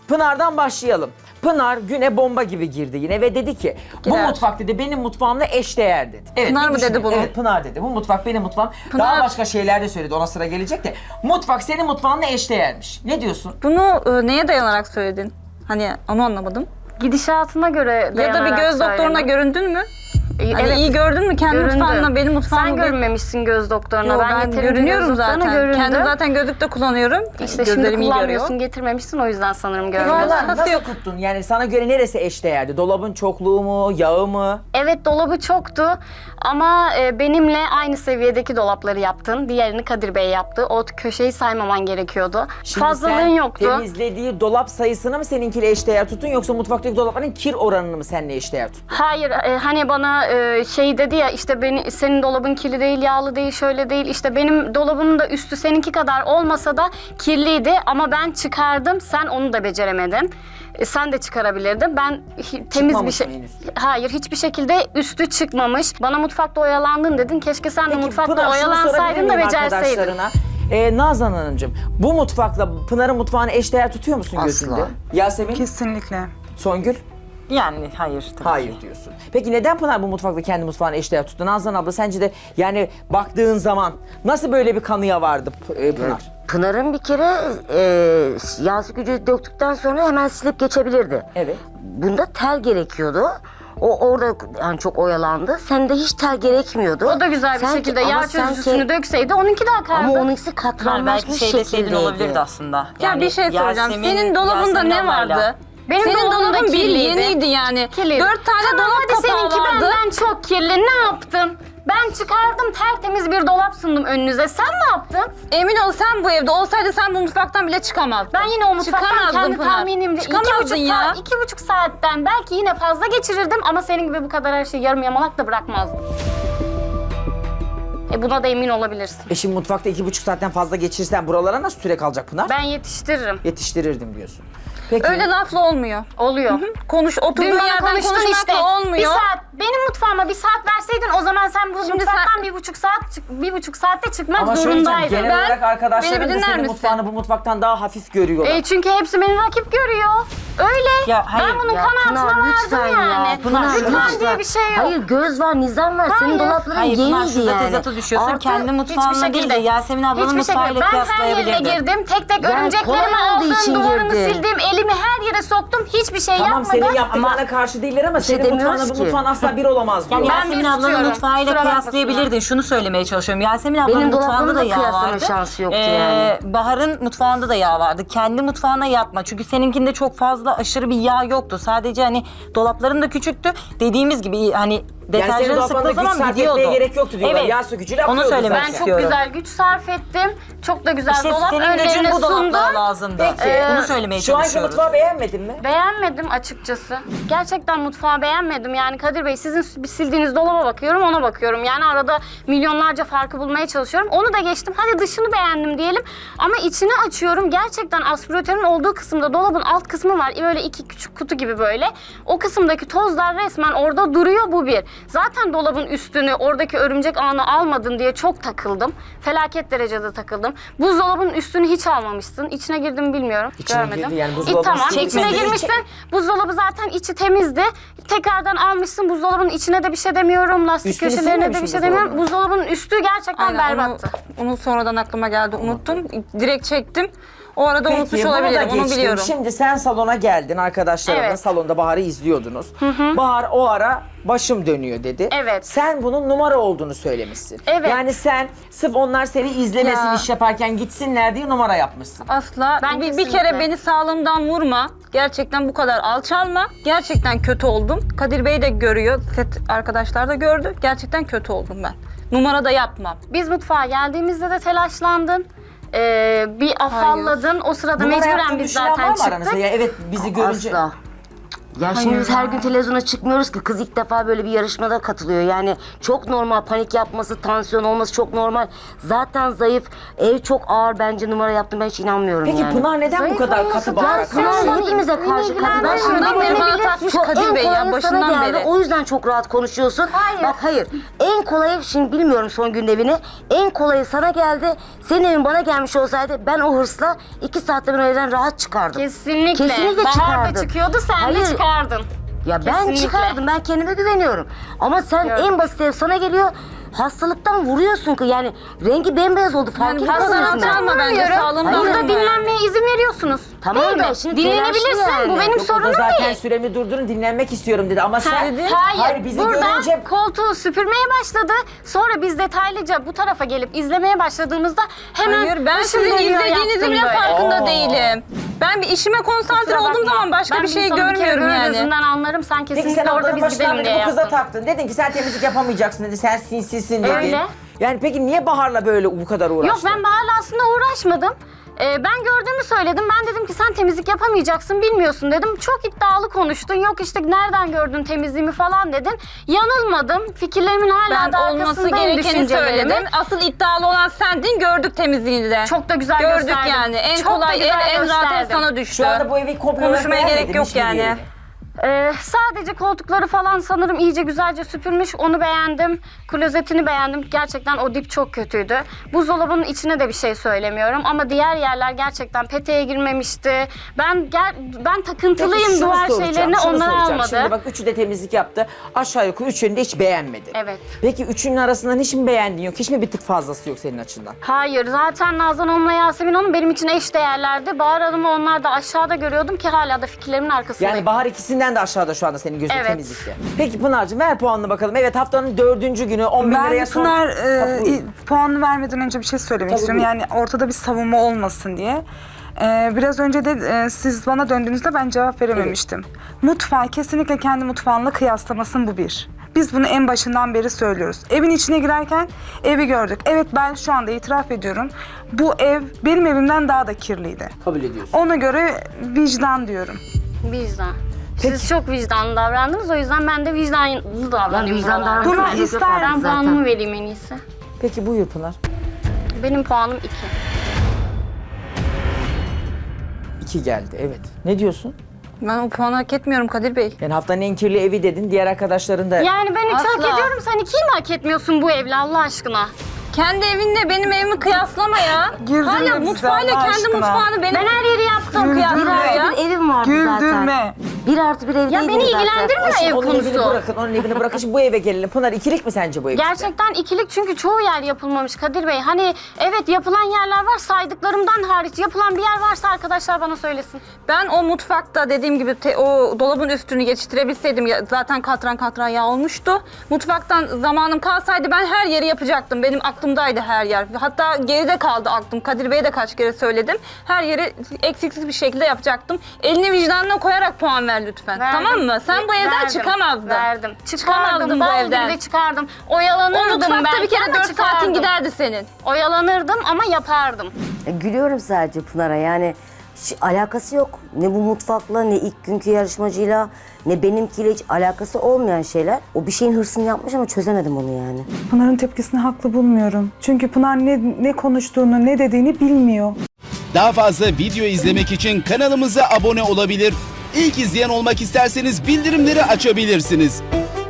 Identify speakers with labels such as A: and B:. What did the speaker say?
A: Pınar'dan başlayalım. Pınar güne bomba gibi girdi yine ve dedi ki bu
B: Gider.
A: mutfak dedi benim mutfağımla eşdeğer dedi. Evet,
B: Pınar
A: bir
B: mı
A: düşünün.
B: dedi bunu?
A: Evet, Pınar dedi. Bu mutfak benim mutfağım.
B: Pınar-
A: Daha başka şeyler de söyledi. Ona sıra gelecek de. Mutfak senin mutfağınla eşdeğermiş. Ne diyorsun?
B: Bunu neye dayanarak söyledin? Hani onu anlamadım.
C: Gidişatına göre
B: Ya da bir
C: dayanarak
B: göz doktoruna
C: söyledim.
B: göründün mü? Hani
C: Evet.
B: iyi gördün mü kendi
C: Göründü.
B: mutfağınla benim mutfağımla?
C: Sen görünmemişsin göz doktoruna.
B: Yo, ben
C: yeterince
B: görünüyorum
C: göz doktoruna
B: zaten.
C: göründüm.
B: Kendim zaten gözlük de kullanıyorum.
C: İşte şimdi
B: Gözlerim iyi görüyor.
C: kullanmıyorsun, getirmemişsin, o yüzden sanırım görmüyorsun.
A: Pınar
B: nasıl
A: nasıl
B: yok?
A: tuttun? Yani sana göre neresi eşdeğerdi? Dolabın çokluğu mu? Yağı mı?
C: Evet, dolabı çoktu ama benimle aynı seviyedeki dolapları yaptın. Diğerini Kadir Bey yaptı. O köşeyi saymaman gerekiyordu.
A: Şimdi
C: Fazlalığın
A: sen
C: yoktu.
A: temizlediği dolap sayısını mı seninkiyle eşdeğer tuttun yoksa mutfaktaki dolapların kir oranını mı seninle eşdeğer tuttun?
C: Hayır, hani bana şey dedi ya, işte senin dolabın kirli değil, yağlı değil, şöyle değil. İşte benim dolabımın da üstü seninki kadar olmasa da kirliydi ama ben çıkardım, sen onu da beceremedin. Sen de çıkarabilirdin. Ben temiz bir
A: Çıkmamış
C: şey...
A: mı henüz?
C: Hayır, hiçbir şekilde üstü çıkmamış. Bana mutfakta oyalandın dedin. Keşke sen de mutfakta
A: Pınar, şunu sorabilir
C: oyalansaydın da
A: miyim
C: becerseydin.
A: arkadaşlarına? Nazan Hanımcığım, bu mutfakla Pınar'ın mutfağını eşdeğer tutuyor musun gözünde?
D: Asla.
A: Yasemin,
E: Kesinlikle.
A: Songül?
E: Yani hayır tabii
A: Hayır
E: ki.
A: diyorsun. Peki neden Pınar bu mutfakla kendi mutfağını eşdeğer tuttu? Nazan abla sence de yani baktığın zaman nasıl böyle bir kanıya vardı Pınar?
D: Pınar'ın bir kere yağ sökücü döktükten sonra hemen silip geçebilirdi.
A: Evet.
D: Bunda tel gerekiyordu. O orada yani çok oyalandı. Sende hiç tel gerekmiyordu.
C: O da güzel bir
D: Sanki-
C: şekilde
D: ama
C: yağ
D: sanki-
C: çözücüsünü dökseydi onunki de akardı.
D: Ama onunkisi
E: Belki
D: katranlaşmış
E: şey deseydin
D: şekildeydi.
E: olabilirdi aslında.
B: Ya bir şey soracağım. Senin dolabında
E: Yasemin
B: ne
E: ablayla-
B: vardı?
C: Benim
B: Senin
C: dolabım da
B: dolabın bir
C: kirliydi.
B: yeniydi yani.
C: Kirliydi.
B: 4 tane
C: Tamam,
B: dolap
C: hadi
B: kapağı
C: seninki
B: vardı.
C: benden çok kirli. Ne yaptın? Ben çıkardım, tertemiz bir dolap sundum önünüze. Sen ne yaptın?
B: Emin ol sen bu evde olsaydın sen bu mutfaktan bile çıkamazdın.
C: Ben yine o mutfaktan
B: Çıkamazdın
C: kendi
B: Pınar.
C: tahminimce
B: Çıkamazdın ya.
C: 2,5 saatten belki yine fazla geçirirdim ama senin gibi bu kadar her şeyi yarım yamalak da bırakmazdım. Buna da emin olabilirsin.
A: Şimdi mutfakta 2,5 saatten fazla geçirsen buralara nasıl süre kalacak Pınar?
C: Ben yetiştiririm.
A: Yetiştirirdim diyorsun. Peki.
B: Öyle lafla olmuyor.
C: Oluyor.
B: Konuş,
C: Dün
B: oturduğun
C: bana
B: yerden
C: konuştun
B: konuşmakla
C: işte.
B: olmuyor.
C: Bir saat, benim mutfağıma bir saat verseydin o zaman sen bu
B: Şimdi
C: mutfaktan
B: sen-
C: 1,5 saatte çıkmak
A: Ama şöyle diyeceğim,
C: zorundaydın.
A: genel olarak arkadaşların
B: beni
A: da
B: dinler
A: senin
B: misin?
A: mutfağını bu mutfaktan daha hafif görüyorlar.
C: Çünkü hepsi beni rakip görüyor. Öyle.
E: Ya hayır,
C: ben bunun
D: Ya
C: kanaatine
D: Pınar lütfen
C: vardım yani.
D: ya. Pınar
C: Lütfen
D: lütfen.
C: diye bir şey yok.
D: Hayır göz var, nizam var. Senin dolapların
E: Hayır Pınar
D: yeniydi
E: şurada
D: yani.
E: tezata düşüyorsun.
D: Artı-
E: Kendi mutfağınla değil de Yasemin ablanın
C: hiçbir şekilde.
E: mutfağıyla
C: Ben her yerine
E: kıyaslayabilirdin.
C: girdim. Tek tek
D: Yani
C: örümceklerimi
D: kolay olduğu için
C: aldım, duvarını
D: girdi.
C: sildim, elimi her yere soktum. Hiçbir şey
A: Tamam
C: yapmadım.
A: senin yaptıklarına karşı değiller ama
D: şey
A: senin mutfağınla
D: demiyoruz
A: bu
D: ki.
A: mutfağın asla bir olamaz diyor.
E: Yani
C: Ben
E: Yasemin
C: bir
E: ablanın
C: tutuyorum.
E: mutfağıyla
C: Kusura
E: kıyaslayabilirdin. Şunu söylemeye çalışıyorum. Yasemin ablanın
D: Benim
E: mutfağında
D: dolabımda
E: da yağ
D: kıyaslama
E: vardı.
D: şansı yoktu yani.
E: Bahar'ın mutfağında da yağ vardı. Kendi mutfağına yapma. Çünkü seninkinde çok fazla aşırı bir yağ yoktu. Sadece hani dolapların da küçüktü. Dediğimiz gibi hani
A: Yani senin
E: deterjanı
A: dolaplarında
E: sıktığı
A: güç
E: zaman
A: sarf
E: gidiyordu.
A: etmeye gerek yoktu diyorlar.
E: Evet.
A: Yağ sökücüyle
E: Onu
A: akıyordu
E: söylemek
A: zaten.
C: Ben çok
E: istiyorum.
C: güzel güç sarf ettim. Çok da güzel
E: İşte
C: dolap
E: senin
C: önlerine
E: gücün bu
C: sundum.
E: dolaplara lazımdı.
A: Peki.
E: Bunu söylemeye
A: Şu anki
E: çalışıyoruz.
A: mutfağı beğenmedin mi?
C: Beğenmedim açıkçası. Gerçekten mutfağı beğenmedim. Yani Kadir Bey sizin sildiğiniz dolaba bakıyorum, ona bakıyorum. Yani arada milyonlarca farkı bulmaya çalışıyorum. Onu da geçtim. Hadi dışını beğendim diyelim. Ama içini açıyorum. Gerçekten aspiratörün olduğu kısımda dolabın alt kısmı var. Böyle iki küçük kutu gibi böyle. O kısımdaki tozlar resmen orada duruyor, bu bir. Zaten dolabın üstünü, oradaki örümcek ağını almadın diye çok takıldım. Felaket derecede takıldım. Buzdolabının üstünü hiç almamışsın. İçine girdim bilmiyorum.
A: İçine
C: Görmedim.
A: girdi, yani buzdolabının
C: Tamam.
A: üstüne
C: İçine
A: girmedi.
C: girmişsin. Buzdolabı zaten içi temizdi. Tekrardan almışsın. Buzdolabının içine de bir şey demiyorum. Lastik
A: Üstünü
C: köşelerine de
A: silmemiş
C: bir
A: mi
C: şey demiyorum.
A: buzdolabının?
C: Buzdolabının üstü gerçekten
B: Aynen,
C: berbattı.
B: onu sonradan aklıma geldi. Unuttum. Direkt çektim. O arada unutmuş
A: Peki bunu da
B: olabilirim. Onu
A: geçtim.
B: biliyorum.
A: Şimdi sen salona geldin, arkadaşlarınla
C: Evet.
A: salonda Bahar'ı izliyordunuz. Bahar o ara başım dönüyor dedi.
C: Evet.
A: Sen bunun numara olduğunu söylemişsin.
C: Evet.
A: Yani sen sırf onlar seni izlemesin
B: Ya.
A: iş yaparken gitsinler diye numara yapmışsın.
B: Asla.
C: Ben
B: Bir
C: kesinlikle.
B: kere beni sağlığımdan vurma. Gerçekten bu kadar alçalma. Gerçekten kötü oldum. Kadir Bey de görüyor. Set arkadaşlar da gördü. Gerçekten kötü oldum ben. Numara da yapmam.
C: Biz mutfağa geldiğimizde de telaşlandın. Bir afalladın. O sırada
A: Numara
C: mecburen
A: yaptığını
C: biz
A: düşünen var
C: zaten
A: mı aranızda?
C: çıktık.
A: Ya evet bizi görünce...
D: Asla. Ya şimdi biz her gün televizyona çıkmıyoruz ki. Kız ilk defa böyle bir yarışmada katılıyor. Yani çok normal, panik yapması, tansiyon olması çok normal. Zaten zayıf, ev çok ağır, bence numara yaptım, ben hiç inanmıyorum
A: Peki
D: yani.
A: Pınar neden bu kadar katı bağırarak konuşuyor?
D: Pınar hepimize karşı katı. Ben şimdi
B: Başından beri bana takmış Kadir Bey ya, başından beri.
D: O yüzden çok rahat konuşuyorsun. Bak hayır, en kolayı, şimdi bilmiyorum son gün evini, en kolayı sana geldi. Senin evin bana gelmiş olsaydı ben o hırsla 2 saatte ben o evden rahat çıkardım.
C: Kesinlikle.
D: Kesinlikle
C: Bahar
D: çıkardım.
C: da çıkıyordu, sen
D: Hayır.
C: de çıkardın.
D: Ya ben
C: Kesinlikle.
D: çıkardım, ben kendime güveniyorum. Ama sen
C: Gördüm.
D: en basit ev sana geliyor, hastalıktan vuruyorsun ki, yani rengi bembeyaz oldu, fark
B: Yani bu
D: etmiyorsun.
B: kadar
D: resmen.
B: alçalma bence,
C: Hayır.
B: sağlığımdan
C: Burada
B: yani.
C: dinlenmeye izin veriyorsunuz.
D: Tamam
C: değil
D: da
C: mi?
D: şimdi
C: Dinlenebilirsin,
D: telaşlı yani.
C: bu benim
A: Yok, o da
C: sorunum
A: zaten
C: değil.
A: süremi durdurun, dinlenmek istiyorum dedi ama sen...
C: Hayır,
A: bizi
C: buradan
A: görünce...
C: koltuğu süpürmeye başladı. Sonra biz detaylıca bu tarafa gelip izlemeye başladığımızda hemen
B: Hayır, ben
C: başım
B: sizin
C: dönüyor,
B: izlediğinizin
C: yaptım
B: bile
C: böyle.
B: farkında değilim. Ben bir işime konsantre
C: Kusura
B: olduğum
C: bakma.
B: zaman başka
C: Ben
B: bir şey
C: insanı bir kere
B: görmüyorum
C: böyle
B: yani.
C: gözünden anlarım. Sen
A: Peki
C: kesinlikle
A: sen
C: orada
A: ablanın
C: biz
A: başından
C: gidelim
A: beri
C: diye
A: bu kıza
C: yaptın.
A: taktın. Dedin ki sen temizlik yapamayacaksın dedi, sen sinsizsin dedi.
C: Öyle.
A: Yani peki niye Bahar'la böyle bu kadar uğraştın?
C: Yok, ben Bahar'la aslında uğraşmadım. Ben gördüğümü söyledim. Ben dedim ki sen temizlik yapamayacaksın, bilmiyorsun dedim. Çok iddialı konuştun. Yok işte nereden gördün temizliğimi falan dedin. Yanılmadım. Fikirlerimin hala
B: Ben
C: da
B: olması
C: arkasındayım,
B: gerekeni
C: düşüncelerimin.
B: söyledim. Asıl iddialı olan sendin, gördük temizliğini de.
C: Çok da güzel
B: gördük
C: gösterdim.
B: yani. En
C: Çok da
B: kolay
C: güzel
B: en rahat ev
C: gösterdim.
B: sana düştü.
A: Şu anda bu evi komple olarak
B: Konuşmaya
A: beğenmedin,
B: gerek yok
A: hiçbir
B: yani.
A: yerini.
C: Sadece koltukları falan sanırım iyice güzelce süpürmüş. Onu beğendim. Klozetini beğendim. Gerçekten o dip çok kötüydü. Buzdolabının içine de bir şey söylemiyorum. Ama diğer yerler gerçekten peteğe girmemişti. Ben takıntılıyım
A: Peki, şunu
C: duvar
A: soracağım,
C: şeylerine,
A: şunu
C: onları
A: soracağım.
C: almadı.
A: Şimdi bak üçü de temizlik yaptı. Aşağı yukarı üçünü de hiç beğenmedin.
C: Evet.
A: Peki üçünün arasından hiç mi beğendin yok? Hiç mi bir tık fazlası yok senin açından?
C: Hayır, zaten Nazan Hanım'la Yasemin Hanım benim için eş değerlerdi. Bahar Hanım'ı onlar da aşağıda görüyordum ki hala da fikirlerimin arkasındayım.
A: Yani Bahar ikisinden de aşağıda şu anda senin gözün
C: Evet.
A: temizlikte. Peki Pınar'cığım ver puanını bakalım. Evet, haftanın 4. günü 10 bin
F: Ben
A: liraya son...
F: Pınar
A: Ha, buyur.
F: puanını vermeden önce bir şey söylemek
A: Tabii,
F: istiyorum.
A: buyur.
F: Yani ortada bir savunma olmasın diye. Biraz önce de siz bana döndüğünüzde ben cevap verememiştim. Mutfağı kesinlikle kendi mutfağınla kıyaslamasın, bu bir. Biz bunu en başından beri söylüyoruz. Evin içine girerken evi gördük. Evet, ben şu anda itiraf ediyorum. Bu ev benim evimden daha da kirliydi.
A: Kabul ediyorsun.
F: Ona göre vicdan diyorum.
C: Vicdan. Siz çok vicdanlı davrandınız, o yüzden ben de vicdanlı davranayım.
D: Ben vicdan
C: buralarda.
D: davranıyorum.
F: Bunu ister
C: Ben
D: zaten.
C: puanımı vereyim en iyisi.
A: Peki buyur Pınar.
C: Benim puanım 2.
A: 2 geldi, evet. Ne diyorsun?
B: Ben o puanı hak etmiyorum Kadir Bey.
A: Yani haftanın en kirli evi dedin, diğer arkadaşların da...
C: Yani ben 3 hak
B: Asla.
C: ediyorum, sen 2'yi mi hak etmiyorsun bu evle Allah aşkına?
B: Kendi evinle benim evimi kıyaslama ya.
F: Güldürme
B: Hala
F: bizi
B: mutfağıyla
F: Allah
B: kendi
F: aşkına.
B: mutfağını benim...
C: Ben her yeri yaptım.
F: Güldürme.
D: Bir
B: kıyaslıyor
D: artı
B: ya.
D: bir evim vardı zaten.
F: Güldürme.
D: 1+1 ev
C: Ya
D: değildi
C: beni
D: zaten.
C: ilgilendirmiyor ev
A: Onun evini
C: konusu.
A: bırakın, onun evini bırakın. Şimdi bu eve gelelim. Pınar, ikilik mi sence bu ev?
C: Gerçekten ikilik, çünkü çoğu yer yapılmamış Kadir Bey. Hani evet, yapılan yerler var, saydıklarımdan hariç yapılan bir yer varsa arkadaşlar bana söylesin.
B: Ben o mutfakta dediğim gibi o dolabın üstünü geçiştirebilseydim, zaten katran katran yağ olmuştu. Mutfaktan zamanım kalsaydı ben her yeri yapacaktım. Benim aklımdaydı her yer. Hatta geride kaldı aklım. Kadir Bey'e de kaç kere söyledim. Her yeri eksiksiz bir şekilde yapacaktım. Elini vicdanına koyarak puan ver lütfen.
C: Verdim.
B: Tamam mı? Sen bu evden
C: Verdim.
B: çıkamazdın.
C: Verdim.
B: Çıkamazdın bu
C: Bal
B: evden.
C: gibi de çıkardım.
B: O
C: Oyalanırdım
B: mutfakta
C: belki
B: bir kere
C: ama
B: 4 saatin
C: çıkardım.
B: giderdi senin.
C: Oyalanırdım ama yapardım.
D: Gülüyorum sadece Pınar'a, yani alakası yok. Ne bu mutfakla, ne ilk günkü yarışmacıyla, ne benimkiyle hiç alakası olmayan şeyler. O bir şeyin hırsını yapmış ama çözemedim onu yani.
F: Pınar'ın tepkisini haklı bulmuyorum. Çünkü Pınar ne konuştuğunu, ne dediğini bilmiyor.
G: Daha fazla video izlemek için kanalımıza abone olabilir. İlk izleyen olmak isterseniz bildirimleri açabilirsiniz.